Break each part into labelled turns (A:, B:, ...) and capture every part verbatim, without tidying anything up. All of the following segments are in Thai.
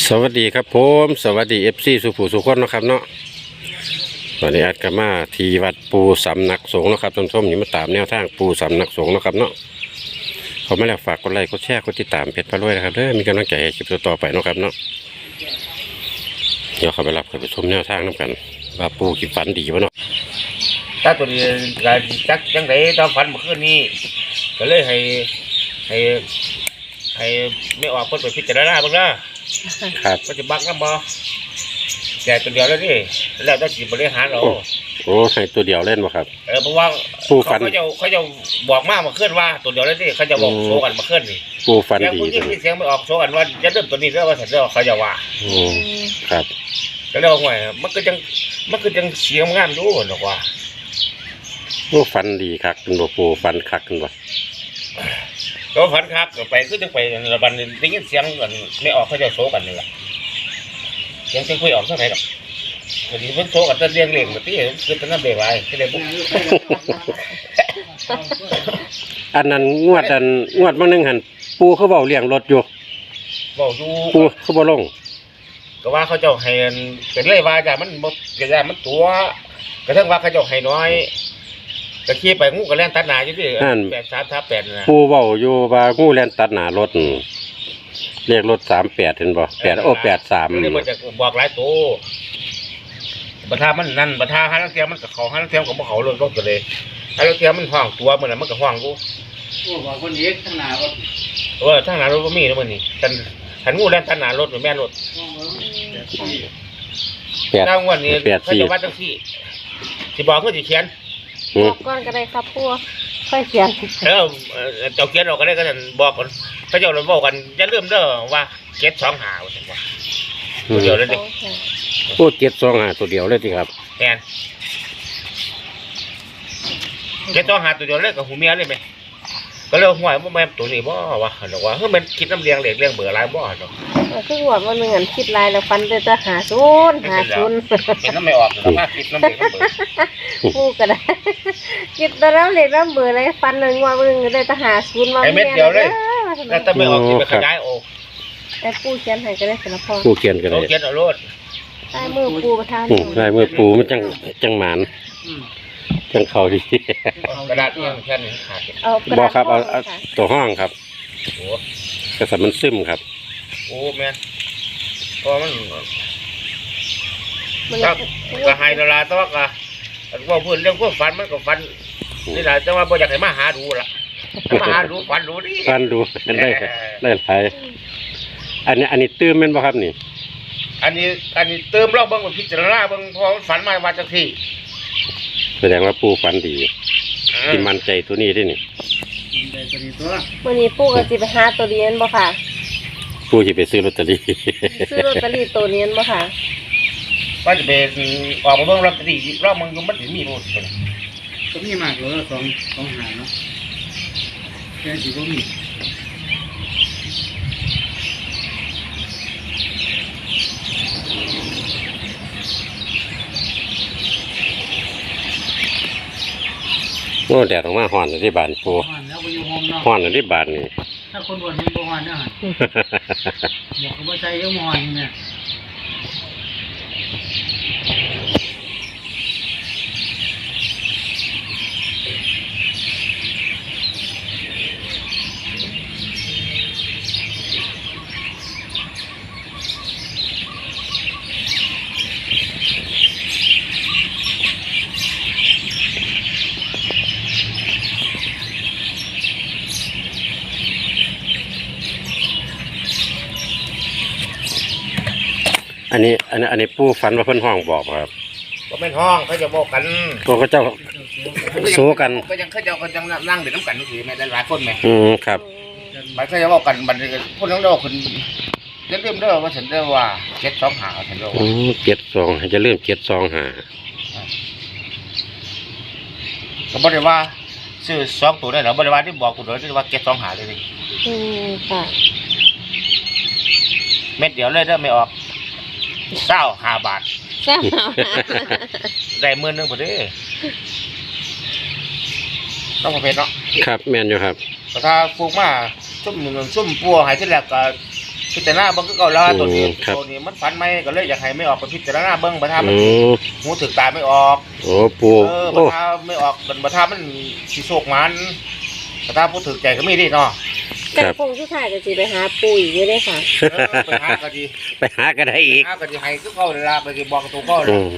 A: สวัสดีครับผมสวัสดีเอฟซีสุภูสุขคนนะครับเนาะวันนี้อัดกมาที่วัดปูสำนักสงฆ์นะครับท่านผู้ชมนี่มาตามแนวทางปูสำนักสงฆ์นะครับเนาะเขาไม่แล้วฝากกดไลค์กดแชร์กดติดตามเพจพระรวยนะครับเด้อมีกำลังใจให้คลิปต่อไปนะครับเนาะเดี๋ยวเขาไปรับเขาไปชมแนวทางน้ำกันว่าปูคิดฝันดีวะเนาะ
B: ถ้าตัวนี้ก็จักจังไดตอนฝันเมื่อคืนนี้ก็เลยให้ให้ให้ไม่ออกเพิ่นไปพิจารณาเบิ่งนะครับมันจะบักนำบ่แต่ตัวเดียวแล้วนี่แล้วแต่สิบริหารเอา
A: โอ้ให้ตัวเดียวเล่นบ่ครับ
B: เออเพราะว่า
A: ปูฝัน
B: เขาจะเขาจะบอกมาเมื่อคืนว่าตัวเดียวแล้วนี่เขาจะบอกโชว์กันเมื่อคืนนี่
A: ปูฝัน
B: แล้ว
A: ดี
B: ผู้หญิงที่เสียงไม่ออกโชว์กันว่าจะเริ่มตัวนี้แล้วว่าสันเด้อเขาจะว่า
A: โอ้ครับ
B: ก็เลยว่าห่วยมันก็จังมันก็จังเสียงงามอยู่หรอกว่า
A: โอ้ฝันดีคักคุณบ่ปูฝันคักคุณบ่
B: ก็ฝันคักก็ไปคือจังไประบัดนี้ได้ยินเสียงกันไม่ออกเขาจะโชว์กันนี่ล่ะเสียงจังคุยออกเท่าไหร่ดอกก็สิเพิ่นโชว์กันแต่เรียงเลี้ยงบ่ติคือเป็นน้ำเบรกไว้ที่ได้บ่
A: อันนั้นงวดอันงวดบางนึงหันปูเขาเว้าเลี้ยงรถอยู่
B: เว้าอยู่
A: ปูเขาบ่ลง
B: ก็ว่าเขาเจ้าให้เป็นเลยว่าจ้ะมันบ่ก็ย่ามันตัวกระทั่งว่าเขาเจ้าให้น้อยก็ขี่ไปงูก็แล่นตัดหน้าอยู่ดิแปดสามทับแปดน่ะ
A: ปูเว้าอยู่ว่างูแล่นตัดหน้ารถนั่นเรียกรถสามแปดเห็นบ่แปดโอ้แปดสาม
B: นี่มันจะบอกหลายตัวบัดทามันนั่นบัดทาหาลังเทียมันก็เขาหาลังเทียมก็บ่เขารถรถก็เลยหาลังเทียมันห้องตัวมื้อนั้นมันก็ห้องกู
C: โอ้บอกคนเอกข้างหน้ารถ
B: เออทางหน้ารถบ่มีนะมื้อนี้คันคันงูแล่นตัดหน้ารถแม่นรถ
A: แปด
B: ทางวันนี้
A: แปด
B: เขา
A: สี่
B: จะวัดจังซี่สิบอกคือสิเขียน
A: อื
D: บ
A: ม
D: อกก่อนก็ได้ครับพวกค่อยเขียน
B: เออเอ่อเจ้าเขียนออกก็ได้ก็นั่นบอกกันเขาเจ้าเราบอกกันอย่าลืมเด้อว่าเก็บสองหาว่าซั่นว่าตัวเดียวเลยดิ
A: โอ้เจ็ดสองห้าตัวเดียวเลยที่ครับ
B: แม่นเก็บสองหาตัวเดียวเลยกับหูเมียเลยไหมก็เลยห่วยว่าแม่นตัวนี้บ่ว่าหั่นดอกว่าเฮ้ยมันคิดน้ำเลี้ยงเหล็กเลี้ยงเบื่อหลายบ่หั่นดอก
D: คือหัวมันเหมือนคิดลายแล้วฟันเดือดหาศูนย์หาศูนย์
B: เห็นน้ำไม่ออกหรอกว่าคิดน้ำเหล็กน้ำเบื่อ
D: พูดก็ได้คิดแต่แล้วเหล็กแล้วเบื่อเลยฟันเลยงวมึงได้แต่หาศูนย์มา
B: ไอ้เม็ดเดียวเลยแล้วถ้าไม่ออกกินไปขยายโอ้
D: แต่ปูเขียนให้ก็ได้สารพร
A: ปูเขียนกันเล
B: เรา
A: ย
B: เขียนเอาโลด
D: ใต้มือปูประทาน
A: อืมลายมือปูมันจังจังหมานจังเขาดี
B: กระดาษเอียงแค่นี้ขาด
D: เอา
A: บอกครับเอาเอาตัวห้องครับ
B: โอ้
A: กระสับมันซึมครับ
B: โอ้แม่นเพราะมัน
D: มัน
B: ครับก็ให้ดาราแต่ว่าก็ว่าพูดเรื่องพวกฝันมันก็ฝันนี่แหละแต่ว่าบ่อยากให้มาหาดูล่ะมาหาดูฝันดูดิ
A: ฟันดูได้ได้หลายอันนี้อันนี้ตื้มแม่นบ่ครับนี่
B: อันนี้อันนี้เติมรอบเบิ่งว่าพิจารณาเบิ่งพอมันฝันมาว่าจังซี่
A: แสดงว่าปูฝันดีที่มั่นใจตัวนี้ด้วยนี่
C: ได้ตัวนี้ตัว
D: วันนี้ปูก็สิไปหาตัวเรียนบ่ค่ะ
A: ปูจะไปซื้อลอตเตอรี่
D: ซื้อลอตเตอรี่ตัวเรียนบ่ค่ะ
B: ว่าจะไปออกมาเบิ่งรอบตอรี่รอบมึงอยู่มันสิมีบ่ซั่น
C: ก็มีมากเลยสองสองหางเนาะแค่สิบ่มี
A: โอ้แดดออกมาฮ้อนที่บ้านปู
C: หอนแล้วไปอยู่ห้องเนาะ
A: ฮ้อนที่บ้านนี่
C: ถ้าคนบ่นมันบ่หอนเนาะบอกเขาบ่ใจเยอะหอนเนี่ย
A: อันนี้อันนี้อันนี้ปูฝันว่าเพิ่นห้องบอกครับ
B: บ่แม่นห้องเขาจะบอกกัน
A: ตัวเขาเจ้าโซกัน
B: ก็ยังเขาจะก็ยังนั่งเล่นน้ำกันนี่สิแม่หลายๆคนแม่
A: อืมครับ
B: มันเขาจะบอกกันบัดนี้พวกนั้นเด้อคนอย่าลืมเด้อว่าฉันเด้อว่าเก็บสองหาฉันเด้อ
A: อืมเจ็ดสองจะเริ่มเจ็ดสองหา
B: ก็บ่ได้ว่าซื้อสองตัวได้หรอบ่ได้ว่าที่บอกกูเด้อที่ว่าเก็บสองหาเลยนี่
D: อืมค่ะ
B: เม็ดเดียวเลยเด้อไม่ออกเศร้าห้าบาท
D: แซ่บ
B: ได้หมื่นหนึงพอดีต้องประเภทเนาะ
A: ครับแม่นอยู่ครับ
B: แต่ถ้าปลูกมาซุ่มหนึ่งซุ่มปัวหายที่แรกก็พิจารณาเบิ้งก็เก่าแล้วตัวนี้
A: อืมครับ
B: ตัวนี้มันฝันไหมก็เลยอยากให้ไม่ออกไปพิจารณาเบิ้งบัทามัน
A: อืม
B: หูถึกตาไม่ออก
A: โอ้ปู
B: เออบั
A: โอ้
B: ทาไม่ออกบัทามันสีโศกมันบัทาผู้ถึกใจก็ไม่ได้เนาะ
D: แต่คงสุดท้ายก็สิไปหาปู่อีกอยู่เด้อค่ะ
B: เออไปหาก็ดี
A: ไปหาก็ได้อีก
B: หาก็ดีให้ก็เข้าเลยละไปสิบอกตัวเข้าเล
A: อื
B: ย
A: ม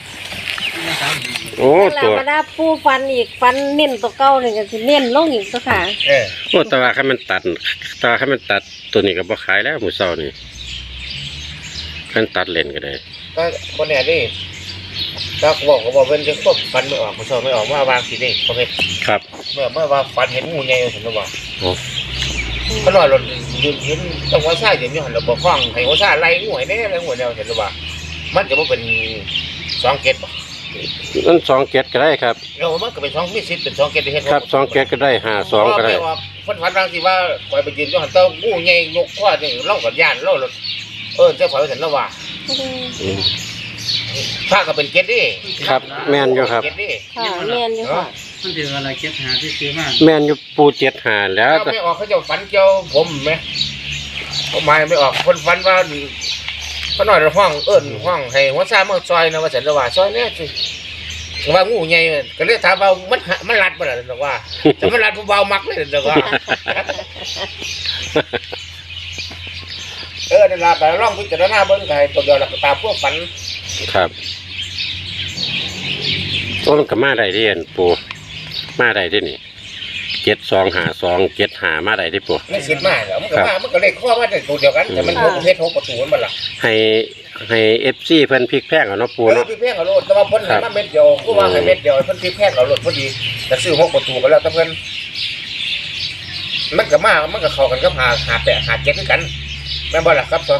A: โอ้
D: แล้
A: ตัว ว
D: มาได้ปู่ฟันอีกฟันเน้นตัวเก่านี่ก็สิเน้นลงอีกตัวค่ะ
B: เออ
A: โอ้แต่ว่าคันมันตัดแต่ว่าคันมันตัดตัวนี้ก็บ่ขายแล้วมื้อเช้านี่คันตัดเล่นก็ได้
B: ก็คนเนี่ยดิถ้าบอกก็บอกเป็นจะควบฟันไม่ออกมันชอบไม่ออกเมื่อวางสีนี่เขาเห็น
A: ครับ
B: เมื่อเมื่อว่าฟันเห็นงูใหญ่เห็นหรือเปล่า
A: โอ้
B: เขาหน่อยเรายืนเห็นต้องหัวซ่าอย่างนี้หันเราบอกฟังให้หัวซ่าไล่งูให้แน่ไล่งูแนวเห็นหรือเปล่ามันจะว่าเป็นสองเกตป่ะ
A: นั่นสองเกตก็ได้ครับ
B: เรามันก็เป็นสองมีสิทธิ์เป็นสองเกตที่เห็น
A: ครับสองเกตก็ได้ห้าสองก็ได้
B: ฟันฟันบางทีว่าปล่อยไปยืนย้อนเต้างูใหญ่ยกข้อนี่เล่ากับย่านเล่าเออเจ้าฝ่ายเห็นแล้วว่า
A: อืม
B: ถ้าก็เป็นเกตดิ
A: ครับแม่นอยู่ครับ
B: เกตดิ
D: ค่ะแม่นอยู่ค่ะ
C: มันถืออะไรเก็บหาที่ซื้อมา
A: แม่นอยู่ปูเจ็ดหาแล้ว
B: ถ้าไม่ออกเขาจะฟันเจ้าผมไหมเขาหมายไม่ออกคนฟันว่าเขาหน่อยเราห้องเอิ้นห้องให้หัวซ่าเมื่อซอยนะว่าฉันระว่าซอยเนี่ยสิว่างูใหญ่ก็เลยถามว่ามันหามันรัดบ่ล่ะแต่ว่าแต่มันรัดเบาๆมักเลยแต่ว่าเออนั่นล่ะแต่ลองพิจารณาเบิ่งก็ให้ตัวเดียวแล้วก็ตามพวกฝัน
A: ครับโอ้มันก็มาได้เรียนปูมาได้ที่นี่เจ็ดสองหาสองเจ็ดหามาได้ที่ปู
B: ไม่สิทธิ์มากมันก็มามันก็เลยข้อว่าแต่ตัวเดียวกันแต่มันหกประเภทหกประตูมันบ่ล่ะ
A: ให้ให้เอฟซีเพิ่นพลิกแพงเอาเนาะปู
B: เออ
A: เนาะ
B: พี่เพ่งเอาโลดแต่ว่าเพิ่นให้มาเม็ดเดียวก็ว่าให้เม็ดเดียวเพิ่นพี่แพ่งเอาโลดพอดีแต่ซื้อหกประตูก็แล้วแต่เพิ่นมันก็มามันก็เข้ากันกับหาหาแปะหาเจ็ดคือกันแม่นบ่ล่ะครับสอง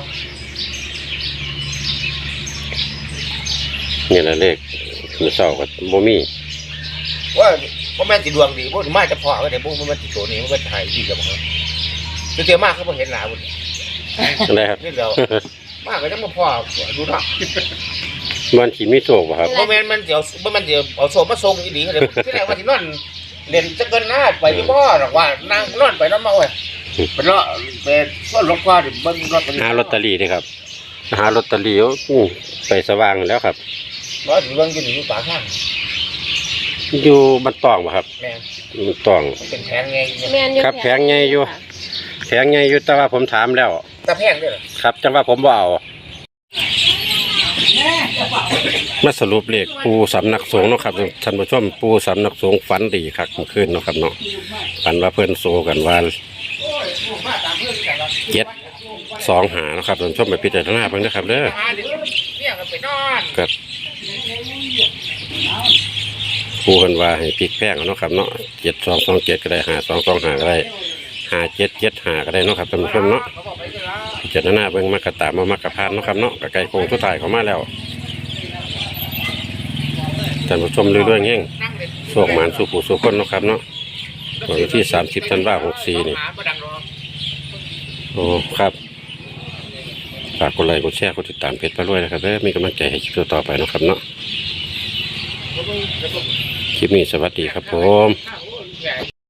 A: นี่แหละเลขมื้อเช้าก็บ่มี
B: ว่าบ่แม่นสิดวงดีบ่มาจะพอก็ได้บ่มันมันสิโตนี่มันก็หายดีกับบ่ครับคือเตียมากเขาบ่เห็นหน้าบ่
A: ได้ครับ
B: นี่เดียวมากก็ยังบ่พอดูเนาะ
A: มันสิมีโชคบ่ครับ
B: บ่แม่นมันสิเอาบ่แม่นสิเอาโซมาส่งอีหลีก็ได้ที่แรกว่าสินอนเล่นจักเกินหน้าไปอยู่บ่หรอกว่านั่งนอนไปนอนมาโอ้ยไปเลาะไปส่วนหลวงพ่อดิเบิ่งรถ
A: หาลอตเตอรี่เด้ครับหาลอตเตอรี่เอาอู้ไปสว่างแล้วครับ
B: บ่สิเบิ่งอยู่นี่อยู่ปากทาง
A: อยู่บ้านตองบ่ครับ
B: แม่น
A: มันตอง
B: มันเป็นแพงไงเนี่ย
D: แม่นอยู่
A: ครับแพงใหญ่อยู่ แข็งไงอยู่แต่ว่าผมถามแล้ว
B: ตะแพงด้วยเหรอ
A: ครับจังว่าผมบ่เอามาสรุปเลขปูสำนักสงฆ์เนาะครับท่านผู้ชมปูสำนักสงฆ์ฝันดีคักเมื่อคืนเนาะครับเนาะฝันว่าเพื่อนโซกันว่าเจ็ดสองหาเนาะครับท่านผู้ชมไปพิจารณาเพิ่งนะครับเด้อ
B: หาเดี๋ยวเนี่ยก็ไปนอน
A: ก็ปูกันว่าให้พลิกแพงเอาเนาะครับเนาะเจ็ดสองสองเจ็ดก็ได้หาสองสองหาก็ได้หาเจ็ดเจ็ดหาก็ได้เนาะครับท่านผู้ชมเนาะ
B: เขาบอกไปเลยละ
A: พิจารณาเบิ่งมากระตามมามากระพานเนาะครับเนาะกระไก่โคงทุกทายเขามาแล้วท่านผู้ชมเรื่อยๆเงี้ย
B: นั่งเล่น
A: โศกหมานสู่ผู้สู่คนเนาะครับเนาะวันที่สามสิบธันวาคมหกสี่นี่
B: หาบ่ดังหรอก
A: โอ้ครับฝากกดไลค์กดแชร์กดติดตามเพจปลาด้วยนะครับเด้อมีกำลังใจให้คลิปต่อไปเนาะครับเนาะคลิปนี้สวัสดีครับผม
B: ข้าวโอ้ย